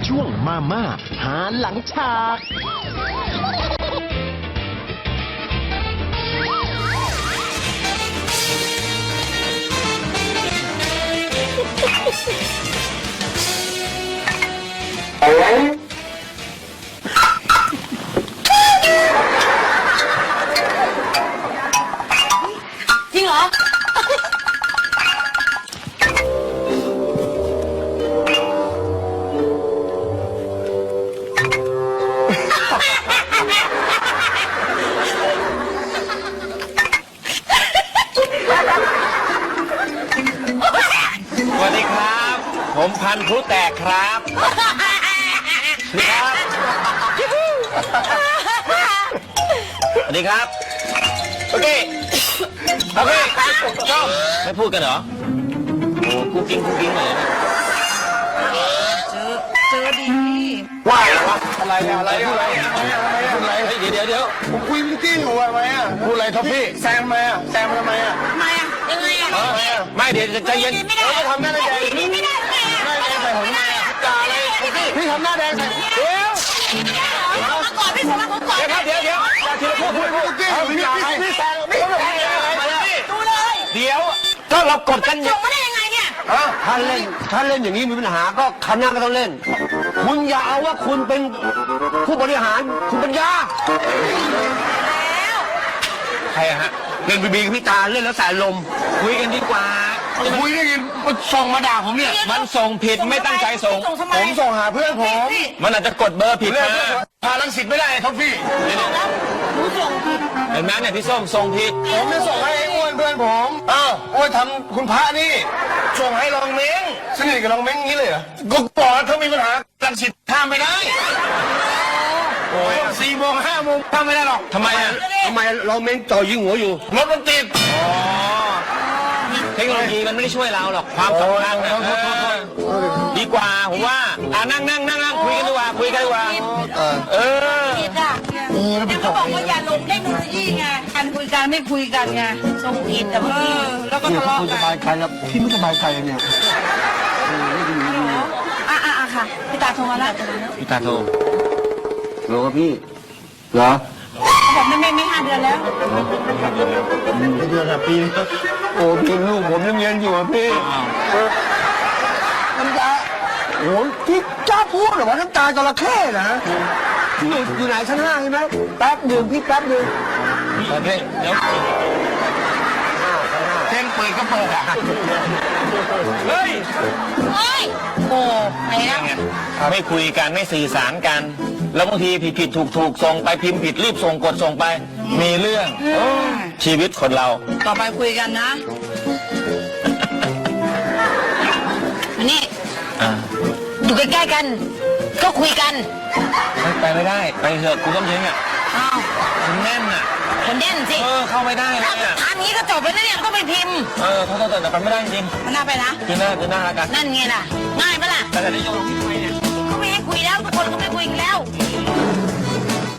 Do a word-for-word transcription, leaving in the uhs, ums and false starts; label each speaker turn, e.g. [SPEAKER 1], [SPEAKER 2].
[SPEAKER 1] ช่วงมาม่าหาหลังฉาก
[SPEAKER 2] จริงเหรอ
[SPEAKER 3] สวัสดีครับ ผมพันธุ์พลุแตกครับนี่ครับสวัสดีครับโอเคโอเคชอบไม่พูดกันเหรอโอ้คุกกิ้งคุกกิ้งเลยเจอเจอดีว่าอะไรเนี่ยอะไรพูดอะไรพูดอะไรเดี๋ยวเดี๋ยวเดี๋ยวผมคุยมิติ้งอยู่ทำไมอ่ะพูดอะไรท็อปปี้แซมทำไมอ่ะแซมทำไมอ่ะ
[SPEAKER 2] ทำไมอ่ะยังไงอ่ะ
[SPEAKER 3] ไม่เดี๋ยวจะใจเย็น
[SPEAKER 2] ไม่ได้
[SPEAKER 3] เราทำหน้าแดง
[SPEAKER 2] ไม่ได้ไม่ได้
[SPEAKER 3] หน้าแดงใส่ผมทำไมอ่ะจ่าอะไรพี่ทำหน้าแดงใส่เดี๋ยว
[SPEAKER 2] เอามาก่อนพี่สมรักผมก่อน
[SPEAKER 3] เดี๋ยวครับเดี๋ยวเดี๋ยวจ่าทีละพูดพูดพูดพี่จ่าอะไรพี่แซงไม่ทำอะไร
[SPEAKER 2] ดูเลย
[SPEAKER 3] เดี๋ยวถ้าเรากดกัน
[SPEAKER 2] ส่งมาได้ยังไงเนี่ย
[SPEAKER 4] ถ้าเล่นถ้าเล่นอย่างนี้มีปัญหาก็คณะก็ต้องเล่น คุณอย่าเอาว่าคุณเป็นผู้บริหารคุณปัญญา
[SPEAKER 2] แล้ว
[SPEAKER 3] ใครฮะ
[SPEAKER 4] เล่นบีบีกับพี่ตาเล่นแล้วสายลม
[SPEAKER 3] คุยกันดีกว่า
[SPEAKER 4] คุยได้ยินมันส่งมาด่าผมเนี่ย
[SPEAKER 3] มันส่งผิดไม่ตั้งใจส่ง
[SPEAKER 2] ส่งทำไม
[SPEAKER 4] ผมส่งหาเพื่อนผม
[SPEAKER 3] มันอาจจะกดเบอร์ผิด
[SPEAKER 4] เล่น
[SPEAKER 3] มา
[SPEAKER 4] พาลังสิตไม่ได้ท็อฟฟี่
[SPEAKER 2] หนูส่งผิด
[SPEAKER 3] เห็นไหมเนี่ยพี่ส้มส่งผิด
[SPEAKER 4] ผมไม่ส่งให้ไอ้อ้วนเพื่อนผมอ้าวอ้วนทำคุณพระนี่ส่งให้รองเม้งสนิทกับรองเม้งงี้เลยเหรอก็บอกแล้วถ้ามีปัญหาลังสิตห้ามไม่ได้โอ้ยสี่โมงห้าโมงห้ามไม่ได้หรอก
[SPEAKER 3] ทำไมอ่ะ
[SPEAKER 4] ทำไมรองเม้งจ่อยิงหัวอยู่รถมันติด
[SPEAKER 3] อ๋อเทคโนโลยีมันไม่ได้ช่วยเราหรอกความสำคัญนะเออดีกว่าผมว่าอ่านั่งนั่งนั่งนั่งคุยกันดีกว่าคุยกันดีกว่าเออ
[SPEAKER 2] ผิดอ่ะเนี่ยเขาบอกว่าอย่าลงเทคโนโลยีไงการคุยกันไม่คุยกันไงส่งผิดแต่เมื่อกี้แล้วก็ทะเลาะ
[SPEAKER 4] คุณส
[SPEAKER 2] กัน
[SPEAKER 4] บายใจแล้วพี่ไม่สบายใจเนี่ย
[SPEAKER 2] อ่ะอ่ะอ่ะค่ะพี่ตาโทรมาแล้ว
[SPEAKER 3] พี่ตาโทร
[SPEAKER 4] เหรอพี่เหรอ
[SPEAKER 2] เขาบอกไม่ไม่ไม่ห้าเดือนแล้ว
[SPEAKER 4] เดือนละปีโอ้พี่ลูกผมยังเรียนอยู่อ่ะพี่น้ำตาโอ้พี่กล้าพูดเหรอว่าน้ำตาจระเข้นะอยู่อยู่ไหนชั้นห้าใช่ไหมแป๊บหนึ่งพี่แป๊บหนึ่ง
[SPEAKER 3] โอเคเดี๋ยว
[SPEAKER 4] เส้นเปิดก็เปิดอ่ะ
[SPEAKER 3] เฮ้ย
[SPEAKER 2] เฮ้ยโอ้ไปแล้ว
[SPEAKER 3] ไม่คุยกันไม่สื่อสารกัน แล้วบางทีผิดผิดถูกถูกส่งไปพิมพ์ผิดรีบส่งกดส่งไป มีเรื่องชีวิตคนเรา
[SPEAKER 2] ต่อไปคุยกันนะอันนี้
[SPEAKER 3] อ่า
[SPEAKER 2] อยู่ใกล้ๆกัน ก็คุยกัน
[SPEAKER 3] ไม่ไปไม่ได้ ไปเถอะคุณต้องยิงอ่ะ
[SPEAKER 2] อ้าว
[SPEAKER 3] คุณแน่นอ่ะ
[SPEAKER 2] คนเด่นสิ
[SPEAKER 3] เออเข้าไม่ได้เลยอ่ะ
[SPEAKER 2] ทำนี้ก็จบแล้วนะเนี่ยก็ไปพิมพ์
[SPEAKER 3] เออเขาต้องแต่ไปไม่ได้จริง
[SPEAKER 2] มันน่าไปนะ
[SPEAKER 3] คือหน้าคือหน้าละกัน
[SPEAKER 2] นั่นไงล่ะ ง่ายปะล่ะ
[SPEAKER 3] แต่แต่ได้ยกลงที่ไปเนี่ย
[SPEAKER 2] เขาไม่ให้คุยแล้วทุกคนก็ไม่คุยกันแล้ว